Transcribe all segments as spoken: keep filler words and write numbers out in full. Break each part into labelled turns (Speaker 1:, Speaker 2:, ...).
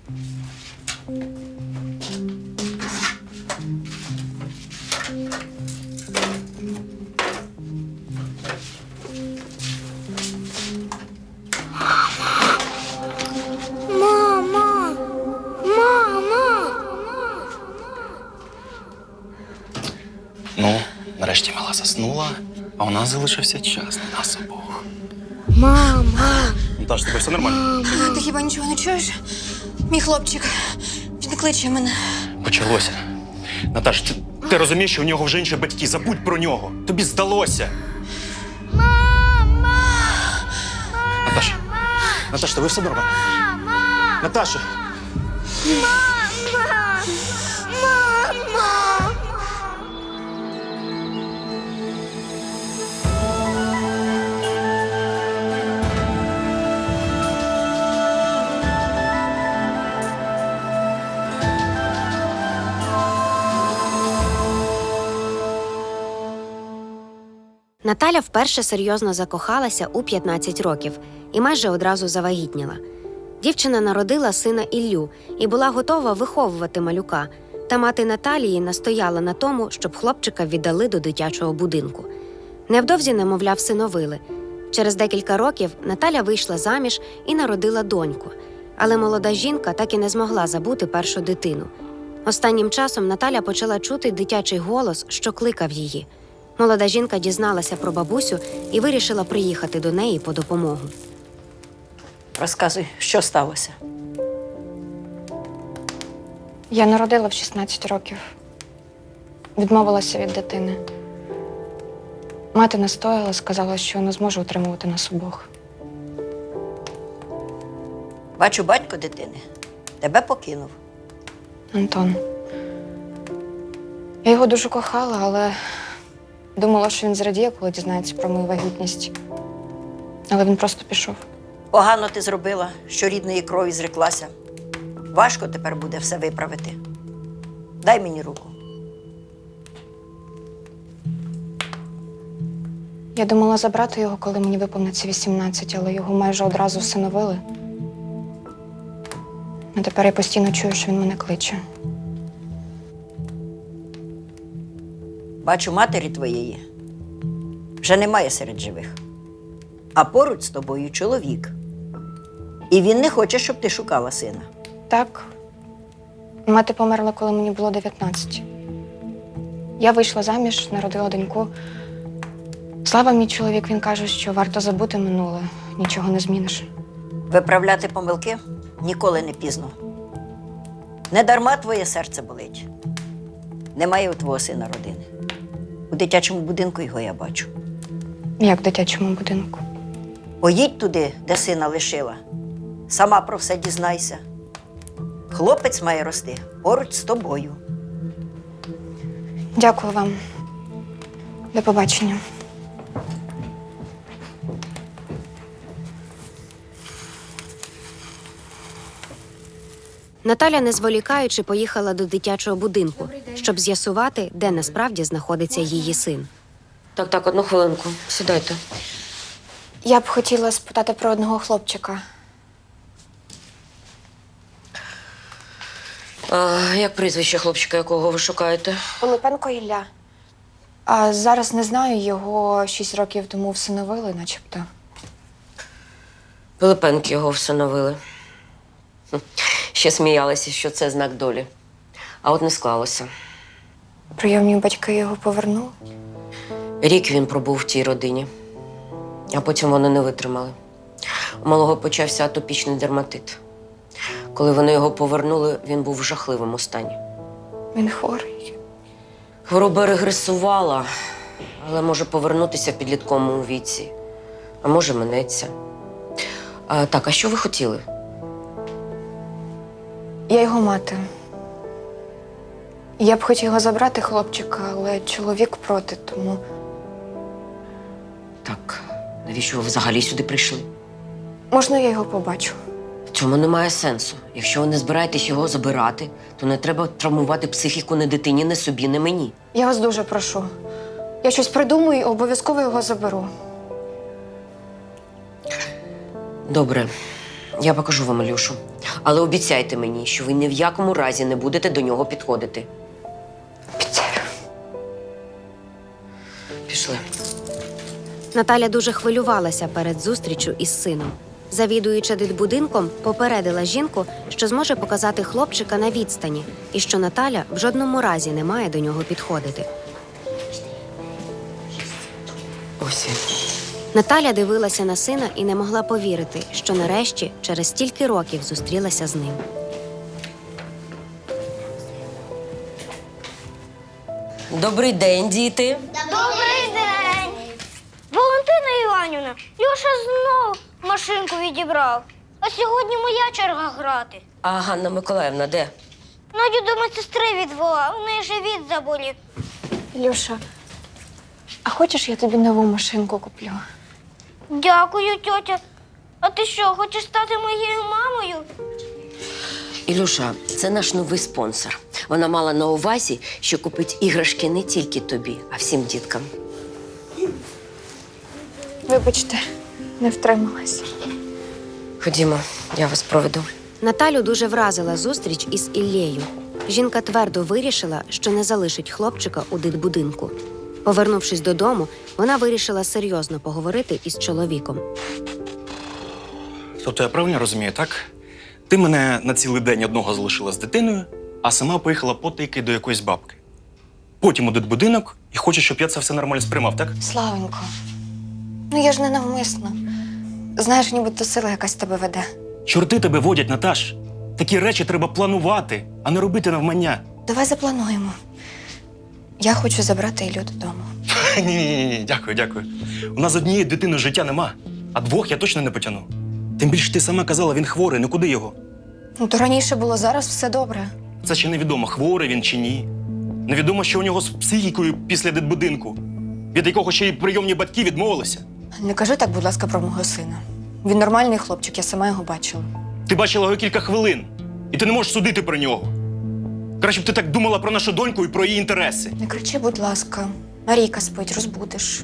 Speaker 1: Мама! Мама!
Speaker 2: Ну, нарешті мала заснула, а у нас залишився час на нас обох.
Speaker 1: Мама!
Speaker 2: Наташ, з тобою все нормально?
Speaker 3: Ти хіба нічого не чуєш? Мій хлопчик, він кличе мене.
Speaker 2: Почалося. Наташ, ти, ти розумієш, що у нього вже інші батьки. Забудь про нього. Тобі здалося.
Speaker 1: Мама!
Speaker 2: Наташа, Наташа, тобі все нормально?
Speaker 1: Мама!
Speaker 2: Наташа!
Speaker 1: Мама! Мама!
Speaker 4: Наталя вперше серйозно закохалася у п'ятнадцять років і майже одразу завагітніла. Дівчина народила сина Іллю і була готова виховувати малюка, та мати Наталії настояла на тому, щоб хлопчика віддали до дитячого будинку. Невдовзі немовля всиновили. Через декілька років Наталя вийшла заміж і народила доньку. Але молода жінка так і не змогла забути першу дитину. Останнім часом Наталя почала чути дитячий голос, що кликав її. Молода жінка дізналася про бабусю і вирішила приїхати до неї по допомогу.
Speaker 5: Розказуй, що сталося?
Speaker 3: Я народила в шістнадцять років. Відмовилася від дитини. Мати настояла, сказала, що не зможе утримувати нас обох.
Speaker 5: Бачу, батько дитини тебе покинув.
Speaker 3: Антон. Я його дуже кохала, але думала, що він зрадіє, коли дізнається про мою вагітність. Але він просто пішов.
Speaker 5: Погано ти зробила, що рідної крові зреклася. Важко тепер буде все виправити. Дай мені руку.
Speaker 3: Я думала забрати його, коли мені виповниться вісімнадцять, але його майже одразу всиновили. А тепер я постійно чую, що він мене кличе.
Speaker 5: Бачу, матері твоєї вже немає серед живих. А поруч з тобою чоловік. І він не хоче, щоб ти шукала сина.
Speaker 3: Так. Мати померла, коли мені було дев'ятнадцять. Я вийшла заміж, народила доньку. Слава, мій чоловік, він каже, що варто забути минуле, нічого не зміниш.
Speaker 5: Виправляти помилки ніколи не пізно. Не дарма твоє серце болить. Немає у твого сина родини. У дитячому будинку його я бачу.
Speaker 3: Як в дитячому будинку.
Speaker 5: Поїдь туди, де сина лишила. Сама про все дізнайся. Хлопець має рости поруч з тобою.
Speaker 3: Дякую вам. До побачення.
Speaker 4: Наталя, не зволікаючи, поїхала до дитячого будинку, щоб з'ясувати, де насправді знаходиться її син.
Speaker 6: Так, так, одну хвилинку. Сідайте.
Speaker 3: Я б хотіла спитати про одного хлопчика.
Speaker 6: А, як прізвище хлопчика, якого ви шукаєте?
Speaker 3: Пилипенко Ілля. А зараз не знаю, його шість років тому всиновили, начебто.
Speaker 6: Пилипенки його всиновили. Хм. Ще сміялися, що це знак долі. А от не склалося.
Speaker 3: Прийомні батьки його повернули.
Speaker 6: Рік він пробув в тій родині, а потім вони не витримали. У малого почався атопічний дерматит. Коли вони його повернули, він був в жахливому стані.
Speaker 3: Він хворий.
Speaker 6: Хвороба регресувала, але може повернутися в підлітковому віці, а може минеться. А, так, а що ви хотіли?
Speaker 3: Я його мати. Я б хотіла забрати хлопчика, але чоловік проти, тому...
Speaker 6: Так, навіщо ви взагалі сюди прийшли?
Speaker 3: Можна я його побачу?
Speaker 6: В цьому немає сенсу. Якщо ви не збираєтесь його забирати, то не треба травмувати психіку не дитині, не собі, не мені.
Speaker 3: Я вас дуже прошу. Я щось придумаю і обов'язково його заберу.
Speaker 6: Добре, я покажу вам Ілюшу. Але обіцяйте мені, що ви ні в якому разі не будете до нього підходити.
Speaker 3: Обіцяю.
Speaker 6: Пішли.
Speaker 4: Наталя дуже хвилювалася перед зустрічю із сином. Завідуюча дитбудинком попередила жінку, що зможе показати хлопчика на відстані і що Наталя в жодному разі не має до нього підходити.
Speaker 6: Ось він.
Speaker 4: Наталя дивилася на сина і не могла повірити, що нарешті через стільки років зустрілася з ним.
Speaker 6: Добрий день, діти.
Speaker 1: Добрий день! Валентина Іванівна, Льоша знов машинку відібрав. А сьогодні моя черга грати.
Speaker 6: А Ганна Миколаївна де?
Speaker 1: Надю до медсестри відвела, у неї живіт заболів.
Speaker 3: Ілюша, а хочеш, я тобі нову машинку куплю?
Speaker 1: Дякую, тьотя. А ти що, хочеш стати моєю мамою?
Speaker 6: Ілюша, це наш новий спонсор. Вона мала на увазі, що купить іграшки не тільки тобі, а всім діткам.
Speaker 3: Вибачте, не втрималася.
Speaker 6: Ходімо, я вас проведу.
Speaker 4: Наталю дуже вразила зустріч із Іллею. Жінка твердо вирішила, що не залишить хлопчика у дитбудинку. Повернувшись додому, вона вирішила серйозно поговорити із чоловіком.
Speaker 2: Тобто я правильно розумію, так? Ти мене на цілий день одного залишила з дитиною, а сама поїхала потайки до якоїсь бабки. Потім у дитбудинок і хочеш, щоб я це все нормально сприймав, так?
Speaker 3: Славенько, ну я ж не навмисно. Знаєш, нібито сила якась тебе веде.
Speaker 2: Чорти тебе водять, Наташ. Такі речі треба планувати, а не робити навмання.
Speaker 3: Давай заплануємо. Я хочу забрати Іллю додому.
Speaker 2: Ні-ні-ні, дякую, дякую. У нас з однією дитиною життя нема, а двох я точно не потягну. Тим більше ти сама казала, він хворий, ну куди його?
Speaker 3: Ну, то раніше було, зараз все добре.
Speaker 2: Це ще невідомо, хворий він чи ні. Невідомо, що у нього з психікою після дитбудинку, від якого ще й прийомні батьки відмовилися.
Speaker 3: Не кажи так, будь ласка, про мого сина. Він нормальний хлопчик, я сама його бачила.
Speaker 2: Ти бачила його кілька хвилин, і ти не можеш судити про нього. Краще б ти так думала про нашу доньку і про її інтереси.
Speaker 3: Не кричи, будь ласка. Марійка спить, розбудиш.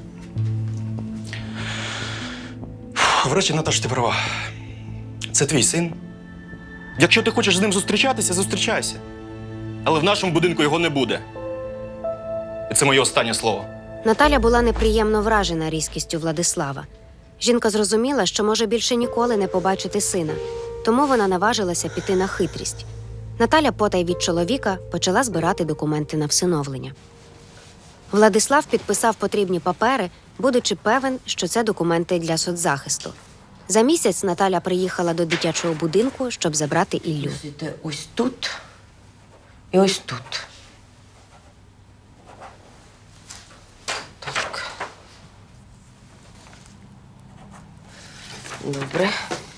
Speaker 2: Врешті, Наташ, ти права. Це твій син. Якщо ти хочеш з ним зустрічатися, зустрічайся. Але в нашому будинку його не буде. І це моє останнє слово.
Speaker 4: Наталя була неприємно вражена різкістю Владислава. Жінка зрозуміла, що може більше ніколи не побачити сина, тому вона наважилася піти на хитрість. Наталя потай від чоловіка почала збирати документи на всиновлення. Владислав підписав потрібні папери, будучи певен, що це документи для соцзахисту. За місяць Наталя приїхала до дитячого будинку, щоб забрати Іллю.
Speaker 6: Сидите ось тут і ось тут. Так. Добре.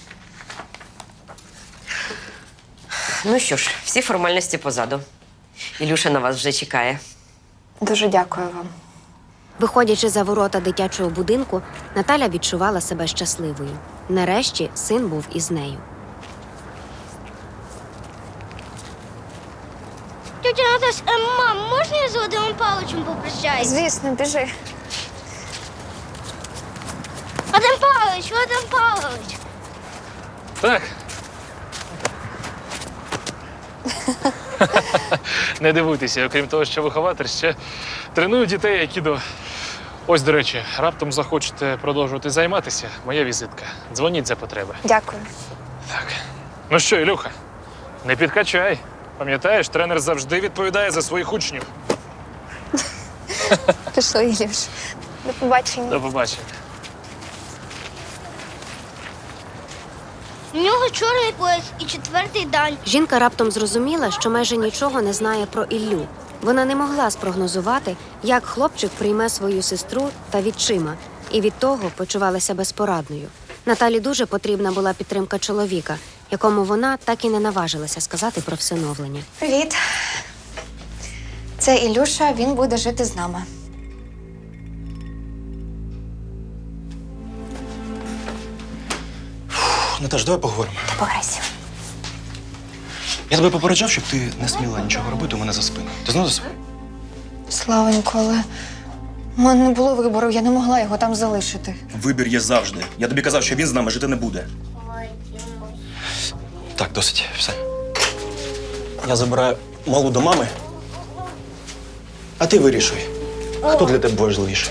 Speaker 6: Ну що ж, всі формальності позаду. Ілюша на вас вже чекає.
Speaker 3: Дуже дякую вам.
Speaker 4: Виходячи за ворота дитячого будинку, Наталя відчувала себе щасливою. Нарешті син був із нею.
Speaker 1: Тетя Наташ, е, мам, можна я з Вадимом Павловичем попрощаюсь?
Speaker 3: Звісно, біжи.
Speaker 1: Вадим Павлович, Вадим Павлович.
Speaker 7: Так. Не дивуйтеся, окрім того, що вихователь, ще треную дітей айкідо. Ось, до речі, раптом захочете продовжувати займатися, моя візитка. Дзвоніть за потреби.
Speaker 3: Дякую.
Speaker 7: Так. Ну що, Ілюха, не підкачай. Пам'ятаєш, тренер завжди відповідає за своїх учнів.
Speaker 3: Пішли, Ілюш. До побачення.
Speaker 7: До побачення.
Speaker 1: У нього чорний пояс і четвертий дан.
Speaker 4: Жінка раптом зрозуміла, що майже нічого не знає про Іллю. Вона не могла спрогнозувати, як хлопчик прийме свою сестру та відчима, і від того почувалася безпорадною. Наталі дуже потрібна була підтримка чоловіка, якому вона так і не наважилася сказати про всиновлення.
Speaker 3: Привіт. Це Ілюша, він буде жити з нами.
Speaker 2: Наташ, давай поговоримо.
Speaker 3: Пограйся.
Speaker 2: Я тебе попереджав, щоб ти не сміла нічого робити у мене за спиною. Ти знов за собою?
Speaker 3: Славенько, але у мене не було вибору, я не могла його там залишити.
Speaker 2: Вибір є завжди. Я тобі казав, що він з нами жити не буде. Так, досить, все. Я забираю малу до мами, а ти вирішуй, хто для тебе важливіший.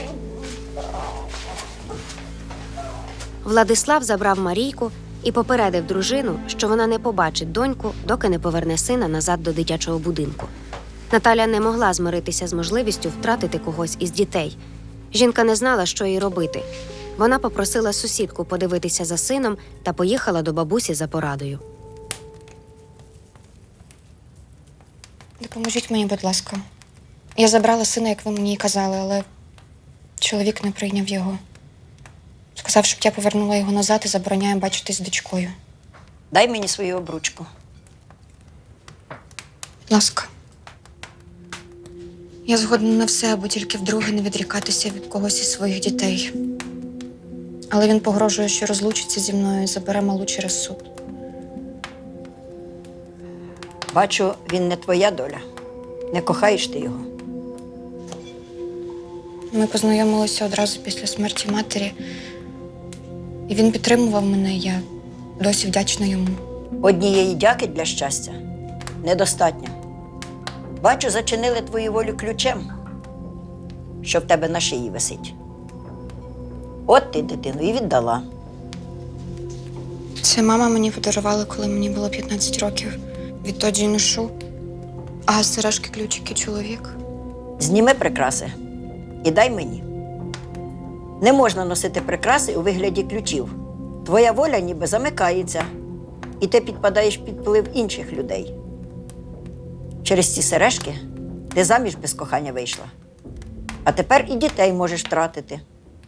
Speaker 4: Владислав забрав Марійку і попередив дружину, що вона не побачить доньку, доки не поверне сина назад до дитячого будинку. Наталя не могла змиритися з можливістю втратити когось із дітей. Жінка не знала, що їй робити. Вона попросила сусідку подивитися за сином та поїхала до бабусі за порадою.
Speaker 3: Допоможіть мені, будь ласка. Я забрала сина, як ви мені і казали, але чоловік не прийняв його. Сказав, щоб я повернула його назад і забороняє бачитись з дочкою.
Speaker 5: Дай мені свою обручку.
Speaker 3: Будь ласка. Я згодна на все, аби тільки вдруге не відрікатися від когось із своїх дітей. Але він погрожує, що розлучиться зі мною і забере малу через суд.
Speaker 5: Бачу, він не твоя доля. Не кохаєш ти його.
Speaker 3: Ми познайомилися одразу після смерті матері. І він підтримував мене, і я досі вдячна йому.
Speaker 5: Однієї дяки для щастя недостатньо. Бачу, зачинили твою волю ключем, що в тебе на шиї висить. От ти дитину і віддала.
Speaker 3: Це мама мені подарувала, коли мені було п'ятнадцять років. Відтоді й ношу. А сережки, ключики чоловік.
Speaker 5: Зніми прикраси і дай мені. Не можна носити прикраси у вигляді ключів. Твоя воля ніби замикається, і ти підпадаєш під вплив інших людей. Через ці сережки ти заміж без кохання вийшла. А тепер і дітей можеш втратити.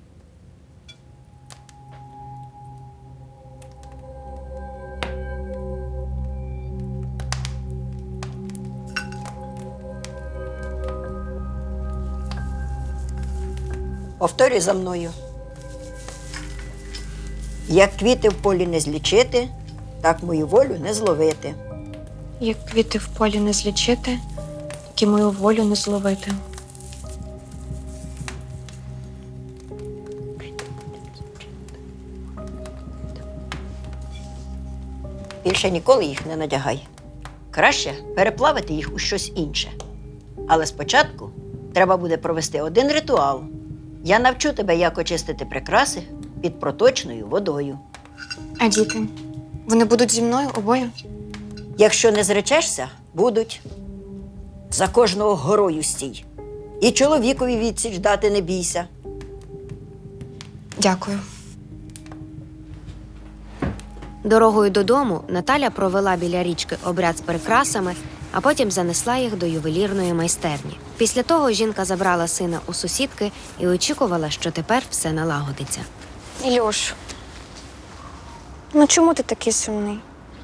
Speaker 5: Повторюй за мною. Як квіти в полі не злічити, так мою волю не зловити.
Speaker 3: Як квіти в полі не злічити, так і мою волю не зловити.
Speaker 5: Більше ніколи їх не надягай. Краще переплавити їх у щось інше. Але спочатку треба буде провести один ритуал. Я навчу тебе, як очистити прикраси під проточною водою.
Speaker 3: А діти? Вони будуть зі мною обоє?
Speaker 5: Якщо не зречешся, будуть. За кожного горою стій. І чоловікові відсіч дати не бійся.
Speaker 3: Дякую.
Speaker 4: Дорогою додому Наталя провела біля річки обряд з прикрасами, а потім занесла їх до ювелірної майстерні. Після того жінка забрала сина у сусідки і очікувала, що тепер все налагодиться.
Speaker 3: Ілюш, ну чому ти такий сумний?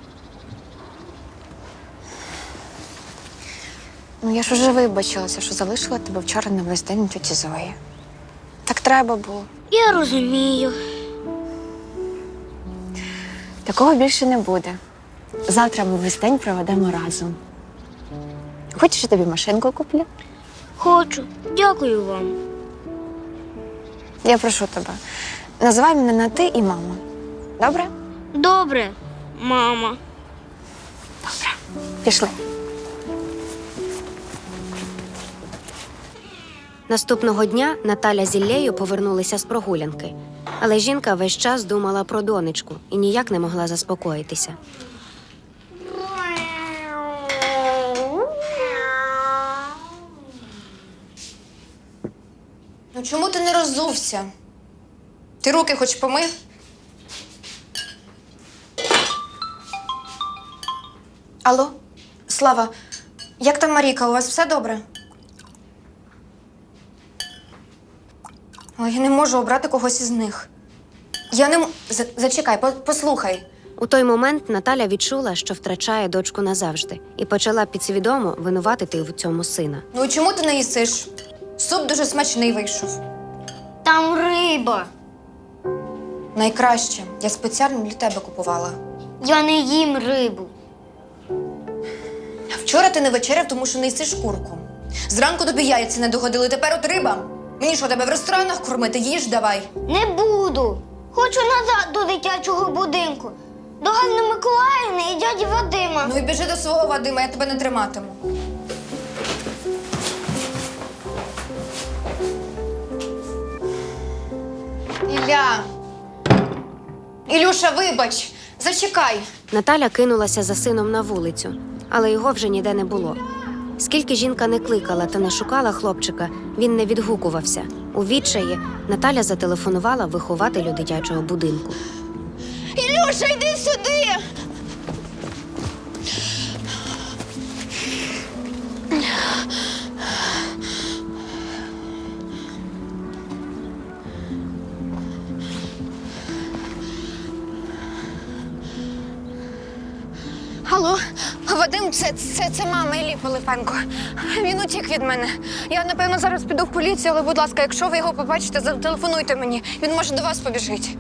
Speaker 3: Ну я ж уже вибачилася, що залишила тебе вчора на весь день у тьоті Зої. Так треба було.
Speaker 1: Я розумію.
Speaker 3: Такого більше не буде. Завтра ми весь день проведемо разом. Хочеш, я тобі машинку куплю?
Speaker 1: Хочу. Дякую вам.
Speaker 3: Я прошу тебе, називай мене на ти і мама. Добре?
Speaker 1: Добре, мама.
Speaker 3: Пішли.
Speaker 4: Наступного дня Наталя з Іллею повернулися з прогулянки. Але жінка весь час думала про донечку і ніяк не могла заспокоїтися.
Speaker 3: Ну чому ти не роззувся? Ти руки хоч помив? Алло, Слава, як там Марійка? У вас все добре? Але я не можу обрати когось із них. Я не м... За- Зачекай, по- послухай.
Speaker 4: У той момент Наталя відчула, що втрачає дочку назавжди, і почала підсвідомо винуватити в цьому сина.
Speaker 3: Ну і чому ти не їсиш? Суп дуже смачний вийшов.
Speaker 1: Там риба.
Speaker 3: Найкраще. Я спеціально для тебе купувала.
Speaker 1: Я не їм рибу.
Speaker 3: Вчора ти не вечеряв, тому що не їсиш курку. Зранку тобі яйця не догодили, тепер от риба. Мені що, тебе в ресторанах кормити? Їж давай.
Speaker 1: Не буду. Хочу назад до дитячого будинку. До Ганни Миколаївни і дяді Вадима.
Speaker 3: Ну і біжи до свого Вадима, я тебе не триматиму. Ілля! Ілюша, вибач! Зачекай!
Speaker 4: Наталя кинулася за сином на вулицю, але його вже ніде не було. Скільки жінка не кликала та не шукала хлопчика, він не відгукувався. У відчаї Наталя зателефонувала вихователю дитячого будинку.
Speaker 3: Ілюша, йди сюди! Алло, Вадим, це, це, це мама Іллі Пилипенко. Він утік від мене. Я, напевно, зараз піду в поліцію, але, будь ласка, якщо ви його побачите, зателефонуйте мені. Він може до вас побіжить.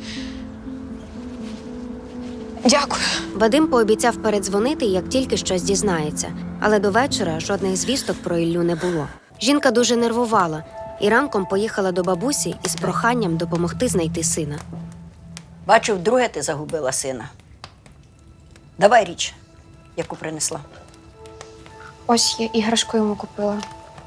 Speaker 3: Дякую.
Speaker 4: Вадим пообіцяв передзвонити, як тільки щось дізнається. Але до вечора жодних звісток про Іллю не було. Жінка дуже нервувала і ранком поїхала до бабусі із проханням допомогти знайти сина.
Speaker 5: Бачу, вдруге ти загубила сина. Давай річ, яку принесла.
Speaker 3: Ось я іграшку йому купила.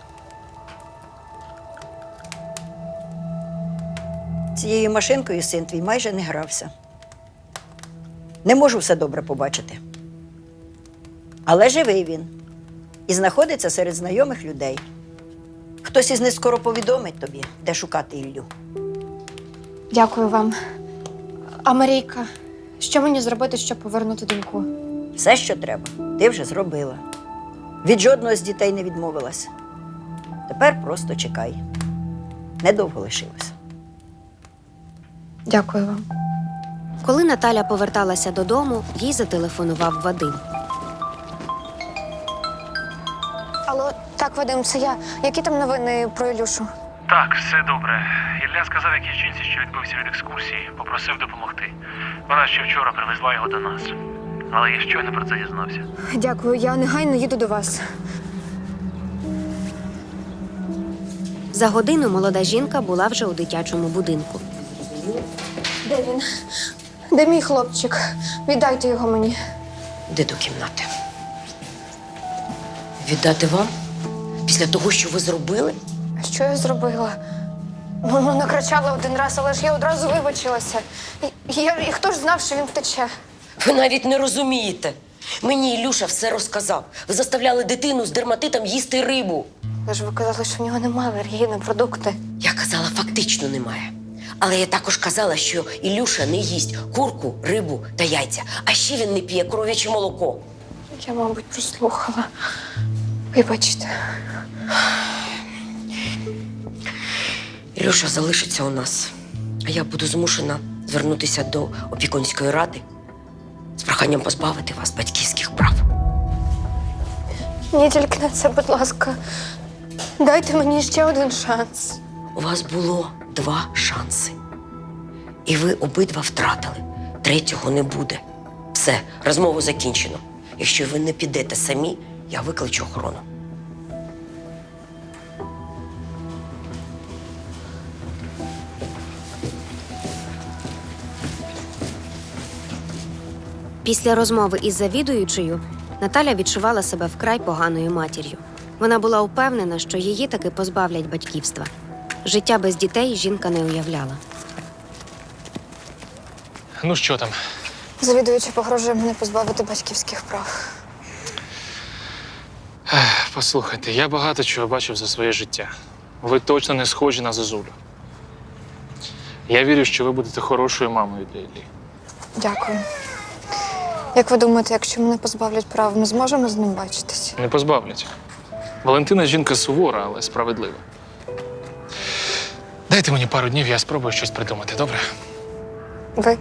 Speaker 5: Цією машинкою син твій майже не грався. Не можу все добре побачити. Але живий він. І знаходиться серед знайомих людей. Хтось із них скоро повідомить тобі, де шукати Іллю.
Speaker 3: Дякую вам. А Марійка, що мені зробити, щоб повернути доньку?
Speaker 5: Все, що треба, ти вже зробила. Від жодного з дітей не відмовилась. Тепер просто чекай. Недовго лишилось.
Speaker 3: Дякую вам.
Speaker 4: Коли Наталя поверталася додому, їй зателефонував Вадим.
Speaker 3: Алло, так, Вадим, це я. Які там новини про Ілюшу?
Speaker 7: Так, все добре. Ілля сказав якійсь жінці, що відбився від екскурсії, попросив допомогти. Вона ще вчора привезла його до нас. Але я щойно про це дізнався.
Speaker 3: Дякую, я негайно їду до вас.
Speaker 4: За годину молода жінка була вже у дитячому будинку.
Speaker 3: Де він? Де мій хлопчик? Віддайте його мені.
Speaker 6: Де до кімнати? Віддати вам? Після того, що ви зробили?
Speaker 3: Що я зробила? Ну, ну, накричала один раз, але ж я одразу вибачилася. І, я, і хто ж знав, що він втече?
Speaker 6: Ви навіть не розумієте. Мені Ілюша все розказав. Ви заставляли дитину з дерматитом їсти рибу.
Speaker 3: Ви ж ви казали, що в нього немає алергії на продукти.
Speaker 6: Я казала, фактично немає. Але я також казала, що Ілюша не їсть курку, рибу та яйця. А ще він не п'є коров'яче молоко.
Speaker 3: Я, мабуть, прослухала. Вибачте.
Speaker 6: Ілюша залишиться у нас, а я буду змушена звернутися до опікунської ради з проханням позбавити вас батьківських прав.
Speaker 3: Ні, тільки на це, будь ласка. Дайте мені ще один шанс.
Speaker 6: У вас було два шанси. І ви обидва втратили. Третього не буде. Все, розмову закінчено. Якщо ви не підете самі, я викличу охорону.
Speaker 4: Після розмови із завідуючою Наталя відчувала себе вкрай поганою матір'ю. Вона була упевнена, що її таки позбавлять батьківства. Життя без дітей жінка не уявляла.
Speaker 7: Ну що там?
Speaker 3: Завідуюча погрожує мене позбавити батьківських прав.
Speaker 7: Ех, Послухайте, я багато чого бачив за своє життя. Ви точно не схожі на Зозулю. Я вірю, що ви будете хорошою мамою для Іллі.
Speaker 3: Дякую. Як ви думаєте, якщо мене позбавлять прав, ми зможемо з ним бачитись?
Speaker 7: Не позбавлять. Валентина жінка сувора, але справедлива. Дайте мені пару днів, я спробую щось придумати, добре?
Speaker 3: Ви?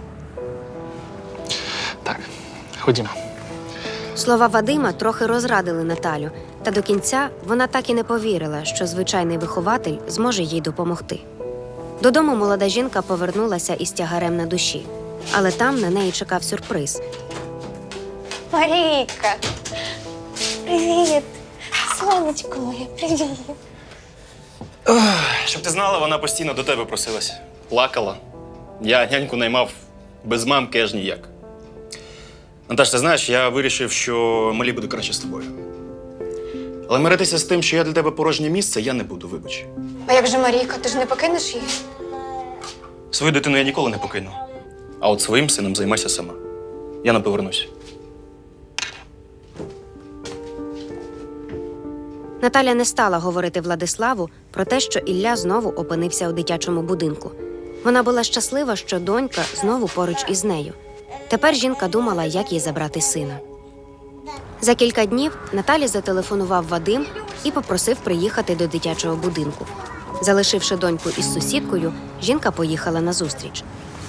Speaker 7: Так, ходімо.
Speaker 4: Слова Вадима трохи розрадили Наталю, та до кінця вона так і не повірила, що звичайний вихователь зможе їй допомогти. Додому молода жінка повернулася із тягарем на душі, але там на неї чекав сюрприз.
Speaker 3: Марійка! Привіт! Сонечко моє, привіт!
Speaker 2: Щоб ти знала, вона постійно до тебе просилась. Плакала. Я няньку наймав без мамки аж ніяк. Наташ, ти знаєш, я вирішив, що малі буде краще з тобою. Але миритися з тим, що я для тебе порожнє місце, я не буду, вибач.
Speaker 3: А як же Марійка, ти ж не покинеш її?
Speaker 2: Свою дитину я ніколи не покину. А от своїм сином займайся сама. Я не повернусь.
Speaker 4: Наталя не стала говорити Владиславу про те, що Ілля знову опинився у дитячому будинку. Вона була щаслива, що донька знову поруч із нею. Тепер жінка думала, як їй забрати сина. За кілька днів Наталі зателефонував Вадим і попросив приїхати до дитячого будинку. Залишивши доньку із сусідкою, жінка поїхала на зустріч.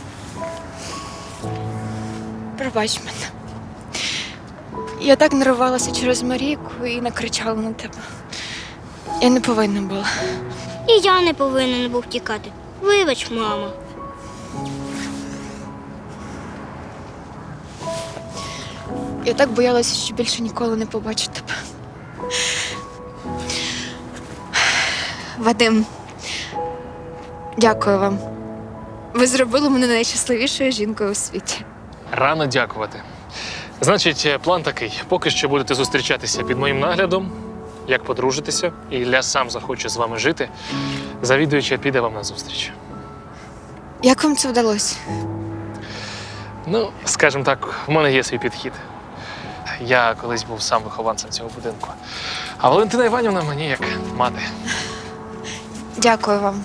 Speaker 3: Пробач мене. Я так нервувалася через Марійку і накричала на тебе. Я не повинна була.
Speaker 1: І я не повинен був тікати. Вибач, мама.
Speaker 3: Я так боялася, що більше ніколи не побачу тебе. Вадим, дякую вам. Ви зробили мене найщасливішою жінкою у світі.
Speaker 7: Рано дякувати. Значить, план такий: поки що будете зустрічатися під моїм наглядом, як подружитеся, і Ілля сам захоче з вами жити, завідуюча піде вам на зустріч.
Speaker 3: Як вам це вдалося?
Speaker 7: Ну, скажімо так, в мене є свій підхід. Я колись був сам вихованцем цього будинку. А Валентина Іванівна мені як мати.
Speaker 3: Дякую вам.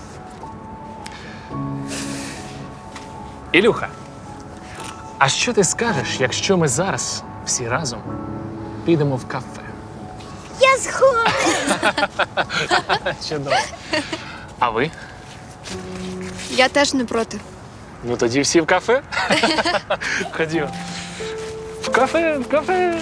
Speaker 7: Ілюха, а що ти скажеш, якщо ми зараз всі разом підемо в кафе?
Speaker 1: Я згодна.
Speaker 7: Чудово. А ви?
Speaker 3: Я теж не проти.
Speaker 7: Ну тоді всі в кафе? Ходімо. В кафе, в кафе.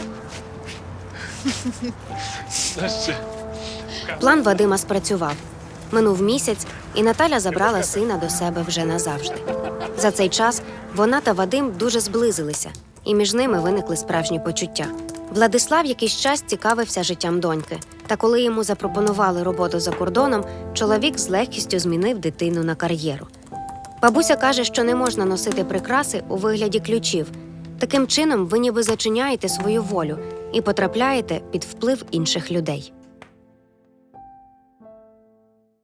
Speaker 7: Ну що?
Speaker 4: План Вадима спрацював. Минув місяць, і Наталя забрала сина до себе вже назавжди. За цей час вона та Вадим дуже зблизилися, і між ними виникли справжні почуття. Владислав якийсь час цікавився життям доньки, та коли йому запропонували роботу за кордоном, чоловік з легкістю змінив дитину на кар'єру. Бабуся каже, що не можна носити прикраси у вигляді ключів. Таким чином ви ніби зачиняєте свою волю і потрапляєте під вплив інших людей.